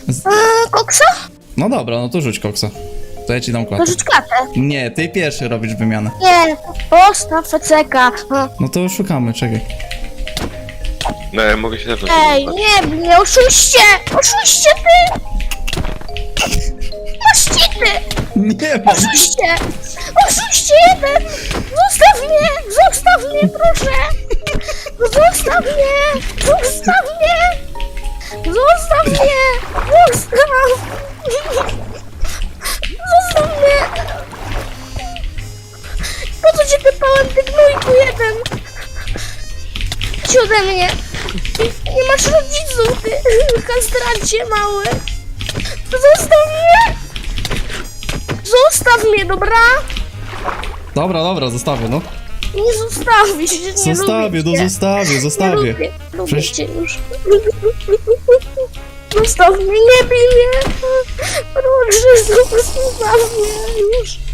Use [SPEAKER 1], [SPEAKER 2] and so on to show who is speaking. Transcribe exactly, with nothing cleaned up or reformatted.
[SPEAKER 1] Z...
[SPEAKER 2] Eee, koksa?
[SPEAKER 1] No dobra, no to rzuć koksa. To ja ci dam
[SPEAKER 2] To
[SPEAKER 1] klatę.
[SPEAKER 2] rzuć klatę.
[SPEAKER 1] Nie, ty pierwszy robisz wymianę.
[SPEAKER 2] Nie, postaw feceka.
[SPEAKER 1] No to szukamy, czekaj.
[SPEAKER 3] No, ja mogę się zacząć.
[SPEAKER 2] Ej, nie, nie, oszuście! Oszuście ty! Masz cheaty!
[SPEAKER 1] Nie mam.
[SPEAKER 2] Oszuście! Oszuście jeden! Zostaw mnie! Zostaw mnie, proszę! Zostaw mnie! Zostaw mnie! Zostaw mnie! Zostaw! Zostaw mnie! Po co cię typałem, ty gnójku jeden? Idź ode mnie! Nie masz rodziców, ty kastrancie mały! Zostaw mnie! Zostaw mnie, dobra?
[SPEAKER 1] Dobra, dobra, zostawię, no.
[SPEAKER 2] Nie zostawisz, nie
[SPEAKER 1] Zostawię,
[SPEAKER 2] lubię
[SPEAKER 1] no
[SPEAKER 2] cię.
[SPEAKER 1] zostawię,
[SPEAKER 2] Nie
[SPEAKER 1] zostawię.
[SPEAKER 2] lubię, lubię
[SPEAKER 1] Przecież-
[SPEAKER 2] cię już. Zostaw mnie, nie bij mnie. Proszę, zostaw mnie już.